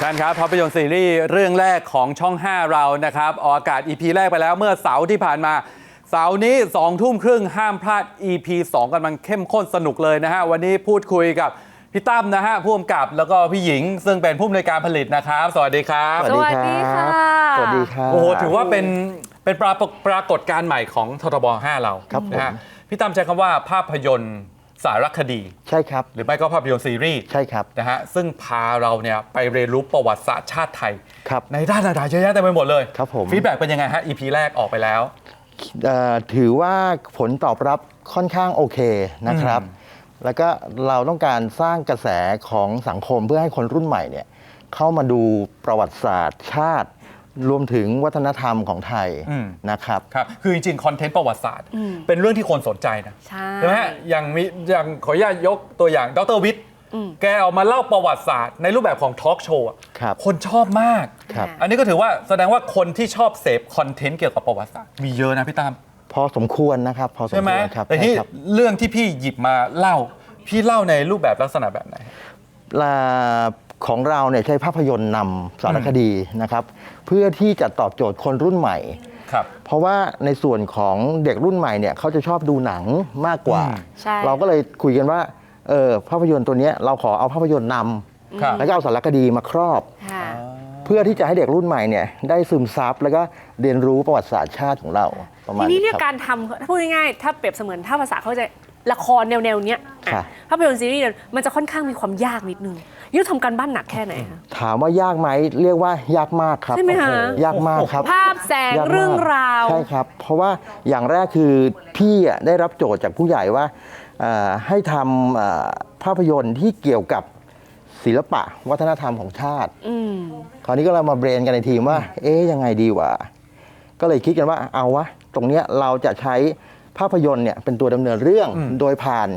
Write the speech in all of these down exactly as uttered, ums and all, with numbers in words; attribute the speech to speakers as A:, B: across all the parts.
A: ท่านครับภาพยนตร์ซีรีส์เรื่องแรกของช่องห้าเรานะครับออกอากาศ อี พี แรกไปแล้วเมื่อเสาร์ที่ผ่านมาเสาร์นี้สองทุ่มครึ่งห้ามพลาด อี พี สองกำลังเข้มข้นสนุกเลยนะฮะวันนี้พูดคุยกับพี่ตั้มนะฮะผู้กำกับแล้วก็พี่หญิงซึ่งเป็นผู้อำนวยการผลิตนะครับสวัสดีครับ
B: สวัสดีค่ะ
C: สวัสดีครับ
A: โอ้โหถือว่าเป็นเป็นปรากฏปรากฏการณ์ใหม่ของททบห้าเรา
C: ครับ
A: นะฮะพี่ตั้มใช้คำว่าภาพยนตร์สารคดี
C: ใช่ครับ
A: หรือไม่ก็ภาพยนตร์ซีรีส์
C: ใช่ครับ
A: นะฮะซึ่งพาเราเนี่ยไปเรียนรู้ประวัติศาสตร์ชาติไทย
C: ครับ
A: ในด้านต่างๆเยอะแยะเต็มไปหมดเลย
C: ครับผม
A: ฟีดแบ็กเป็นยังไงฮะ อี พี แรกออกไปแล้ว
C: ถือว่าผลตอบรับค่อนข้างโอเคนะครับแล้วก็เราต้องการสร้างกระแสของสังคมเพื่อให้คนรุ่นใหม่เนี่ยเข้ามาดูประวัติศาสตร์ชาติรวมถึงวัฒนธรรมของไทยนะครับ
A: ครับคือจริงๆคอนเทนต์ประวัติศาสตร์เป็นเรื่องที่คนสนใจนะใช่ไหมฮะอย่างมีอย่างขออนุญาตยกตัวอย่างดร.วิทย์แกเอามาเล่าประวัติศาสตร์ในรูปแบบของทอล์กโชว์คนชอบมากอันนี้ก็ถือว่าแสดงว่าคนที่ชอบเสพคอนเทนต์เกี่ยวกับประวัติศาสตร์มีเยอะนะพี่ตั้ม
C: พอสมควรนะครับพอสมควรครับ
A: แต่ที่เรื่องที่พี่หยิบมาเล่าพี่เล่าในรูปแบบลักษณะแบบไหน
C: ของเราเนี่ยใช้ภาพยนตร์นำสารคดีนะครับเพื่อที่จะตอบโจทย์คนรุ่นใหม่
A: ครับ
C: เพราะว่าในส่วนของเด็กรุ่นใหม่เนี่ยเขาจะชอบดูหนังมากกว่าเราก็เลยคุยกันว่าเออภาพยนตร์ตัวนี้เราขอเอาภาพยนตร์นำแล้วก็เอาสารคดีมาครอบเพื่อที่จะให้เด็กรุ่นใหม่เนี่ยได้ซึมซับแล้วก็เรียนรู้ประวัติศาสตร์ชาติของเราประมาณ
B: นี้ทีนี้เนี่ยการทำพูดง่ายๆถ้าเปรียบเสมือนถ้าภาษาเขาจะละครแนวๆเนี้ยภาพยนตร์ซีรีส์มันจะค่อนข้างมีความยากนิดนึงนี่ทำการบ้านหนักแค่ไหนคะ
C: ถามว่ายากไหมเรียกว่ายากมากครับ
B: ใช่ไหมคะ
C: ยากมากครับ
B: ภาพแสงเรื่องราว
C: ใช่ครับเพราะว่าอย่างแรกคือพี่ได้รับโจทย์จากผู้ใหญ่ว่าให้ทำภาพยนตร์ที่เกี่ยวกับศิลปะวัฒนธรรมของชาติคราวนี้ก็เรามาเบรนกันในทีมว่าเอ๊ยยังไงดีวะก็เลยคิดกันว่าเอาวะตรงเนี้ยเราจะใช้ภาพยนตร์เนี่ยเป็นตัวดำเนินเรื่องโดยผ่าน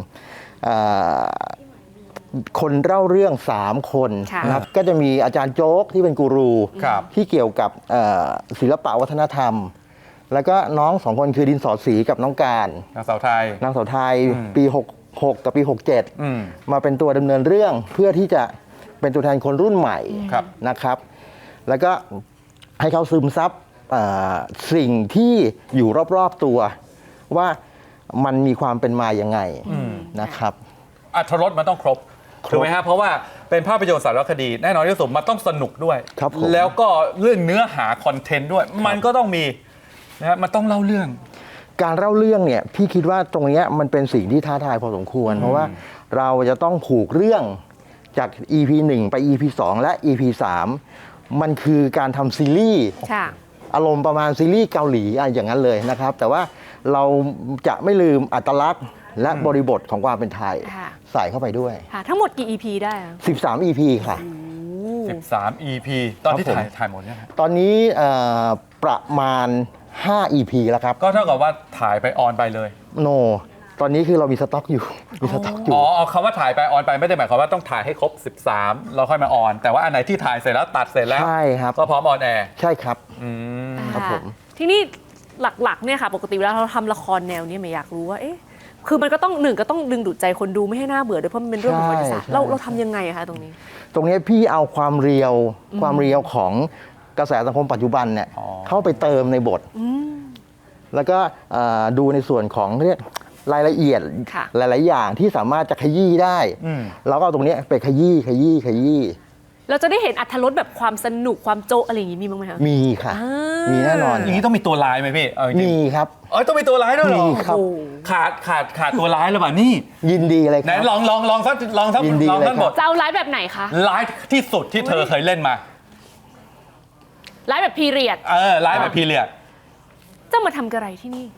C: คนเล่าเรื่องสามคนนะครับก็จะมีอาจารย์โจ๊กที่เป็นกูรูที่เกี่ยวกับศิลปะวัฒนธรรมแล้วก็น้องสองคนคือดินสอสีกับน้องการ
A: นางสาวไทย
C: นางสาวไทยปีหกสิบหกกับปีหกสิบเจ็ดมาเป็นตัวดำเนินเรื่องเพื่อที่จะเป็นตัวแทนคนรุ่นใหม่นะครับแล้วก็ให้เขาซึมซับสิ่งที่อยู่รอบๆตัวว่ามันมีความเป็นมาอย่างไงนะครับ
A: อรรถรสมันต้องครบถูกไหมฮะเพราะว่าเป็นภาพยนตร์สารคดีแน่นอนที่สุดมันต้องสนุกด้วยแล้วก็เรื่องเนื้อหาคอนเทนต์ด้วยมันก็ต้องมีนะฮะมันต้องเล่าเรื่อง
C: การเล่าเรื่องเนี่ยพี่คิดว่าตรงนี้มันเป็นสิ่งที่ท้าทายพอสมควรเพราะว่าเราจะต้องผูกเรื่องจาก อี พี หนึ่ง ไป อี พี สอง และ อี พี สาม มันคือการทำซีรีส์อารมณ์ประมาณซีรีส์เกาหลีอย่างนั้นเลยนะครับแต่ว่าเราจะไม่ลืมอัตลักษณ์และบริบทของความเป็นไทยใส่เข้าไปด้วย
B: ทั้งหมดกี่ อี พี ได้
C: สิบสาม อี พี ค่ะ
A: สิบสาม อี พี ตอนที่ถ่ายถ่ายหมดเนี่ย
C: ตอนนี้ประมาณห้า อี พี แล้วครับ
A: ก็เท่ากับว่าถ่ายไปออนไปเลย
C: โน ตอนนี้คือเรามีสต็อกอยู่มีสต็อกอยู่
A: อ๋อคำว่าถ่ายไปออนไปไม่ได้หมายความว่าต้องถ่ายให้ครบสิบสามเราค่อยมาออนแต่ว่าอันไหนที่ถ่ายเสร็จแล้วตัดเสร็จแล้ว
C: ใช่ครับ
A: ก็พร้อมออนแอร์
C: ใช่ครับ
A: อืม
B: ครับผมทีนี้หลักๆเนี่ยค่ะปกติเวลาเราทำละครแนวนี้ไม่อยากรู้ว่าเอ๊ะคือมันก็ต้องหนึ่งก็ต้องดึงดูดใจคนดูไม่ให้น่าเบื่อด้วยเพราะมันเป็นเรื่องของประวัติศาสตร์เราเราทำยังไงคะตรงนี้
C: ตรงนี้พี่เอาความเรียวความเรียวของกระแสสังคมปัจจุบันเนี่ยเข้าไปเติมในบทแล้วก็ดูในส่วนของเรียกรายละเอียดหลายๆอย่างที่สามารถจะขยี้ได้แล้วก็เอาตรงนี้ไปขยี้ขยี้ขยี้
B: เราจะได้เห็นอรรถรสแบบความสนุกความโจ๊ะอะไรอย่างนี้มีบ้างไหมคะ
C: มีค่ะมีแน่นอน
A: อย่างนี้ต้องมีตัวร้ายไหมพี่
C: มีครับ
A: เออต้องมีตัวร้ายด้วยเหรอ
C: มีครับ
A: ขาดขาดขาดตัวร้ายหรือเปล่านี่
C: ยินดีเลยครับ
A: ไหนลองลองลองสักลองสักลองสักบท
B: จะเอาร้ายแบบไหนคะ
A: ร้ายที่สุดที่เธอเคยเล่นมา
B: ร้ายแบบพีเรียด
A: เออร้ายแบบพีเรียด
B: เจ้ามาทำอะไรที่นี่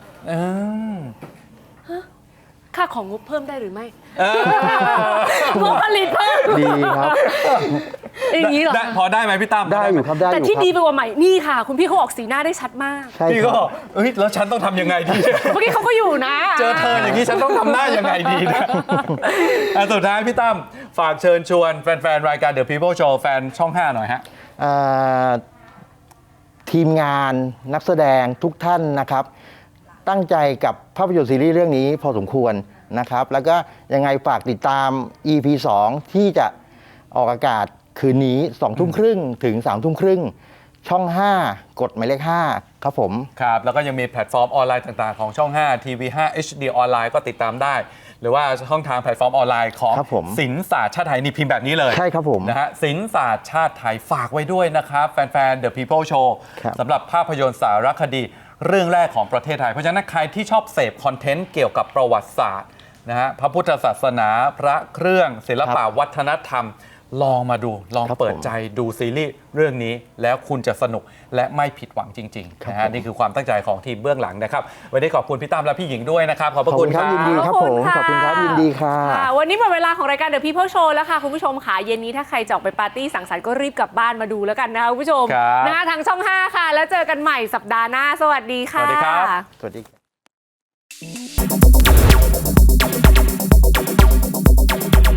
B: ค่าของงบเพิ่มได้หรือไม่งบผลิตเพิ่ม
C: ดีครับ
B: อย่างนี้เหรอ
A: พอได้ไหมพี่ตั้ม
C: ได้อยู่ครับได้
B: แต่ที่ดีไปกว่าใหม่นี่ค่ะคุณพี่เขาออกสีหน้าได้ชัดมาก
A: พี่ก็เอ้ยแล้วฉันต้องทำยังไงดี
B: เมื่อกี้เขาก็อยู่นะ
A: เจอเธออย่างนี้ฉันต้องทำหน้ายังไงดีนะสุดท้ายพี่ตั้มฝากเชิญชวนแฟนๆรายการ The People Show แฟนช่องห้าหน่อยฮะ
C: ทีมงานนักแสดงทุกท่านนะครับตั้งใจกับภาพยนตร์ซีรีส์เรื่องนี้พอสมควรนะครับแล้วก็ยังไงฝากติดตาม อี พี สองที่จะออกอากาศคืนนี้สองทุ่มครึ่งถึงสามทุ่มครึ่งช่อง ห้า กดหมายเลขห้าครับผม
A: ครับ แล้วก็ยังมีแพลตฟอร์มออนไลน์ต่างๆของช่อง ห้า ที วี ห้า เอช ดี ออนไลน์ก็ติดตามได้ หรือว่าช่องทางแพลตฟอร์มออนไลน์ของ
C: ครับผม
A: ศิลศาสตร์ชาติไทยนี่พิมพ์แบบนี้เลย
C: ใช่ครับผม
A: นะฮะศิลศาสตร์ชาติไทยฝากไว้ด้วยนะครับ แฟนๆ The People Show
C: ครับ
A: สำหรับภาพยนตร์สารคดีเรื่องแรกของประเทศไทย เพราะฉะนั้นใครที่ชอบเสพคอนเทนต์เกี่ยวกับประวัติศาสตร์นะฮะพระพุทธศาสนาพระเครื่องศิลปะวัฒนธรรม ลองมาดูลอง
C: ครับ
A: เปิด
C: ผม
A: ใจดูซีรีส์เรื่องนี้แล้วคุณจะสนุกและไม่ผิดหวังจริงๆ
C: ครับ
A: นะฮะ
C: ผม
A: นี่คือความตั้งใจของทีมเบื้องหลังนะครับ วันนี้ขอบคุณพี่ตั้มและพี่หญิงด้วยนะครับ ขอบพ
C: ข
A: ระ
C: อบ
A: คุ
C: คุณ ณ
A: ค
C: ค
A: รั
C: รับบ ยินดีครับ
B: ขอบ
C: ผ
B: คุณ
C: ม
B: ค่ะ
C: ขอบคุณครับยินดีค่ะ
B: ค่ะวันนี้หมดเวลาของรายการ The People Show แล้วค่ะ คุณผู้ชมค่ะเย็นนี้ถ้าใครจะออกไปปาร์ตี้สังสรรค์ก็รีบกลับบ้านมาดูแล้วกันนะคะคุณผู้ชม
A: ครับ
B: นะคะทางช่อง ห้า ค่ะ แล้วเจอกันใหม่สัปดาห์หน้า สวัสดีค่ะ
A: สวัสดีครับ
C: สวัสดี